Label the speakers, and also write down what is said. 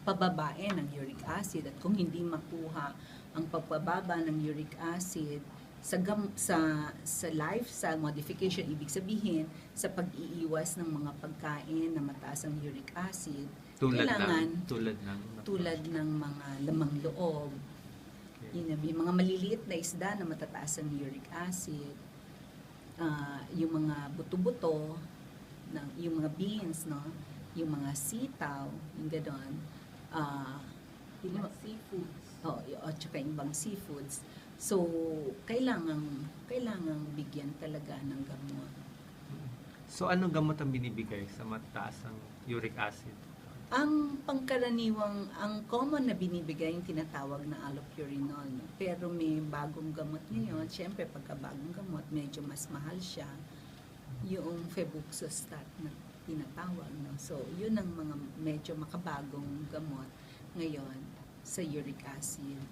Speaker 1: pababain ng uric acid, at kung hindi makuha ang pagpababa ng uric acid sa lifestyle modification, ibig sabihin sa pag-iiwas ng mga pagkain na mataas ang uric acid, tulad ng mga lamang loob, yung mga maliliit na isda na matataas ang uric acid, yung mga buto-buto, yung mga beans, no, yung mga sitaw, yung gano'n,
Speaker 2: seafoods.
Speaker 1: At saka yung ibang seafoods. So, kailangang bigyan talaga ng gamot.
Speaker 3: So, anong gamot ang binibigay sa mataas ang uric acid?
Speaker 1: Ang common na binibigay yung tinatawag na allopurinol. No? Pero may bagong gamot ngayon. Siyempre, pagka bagong gamot, medyo mas mahal siya. Yung febuxostat na tinatawag. No? So, yun ang mga medyo makabagong gamot ngayon sa uric acid.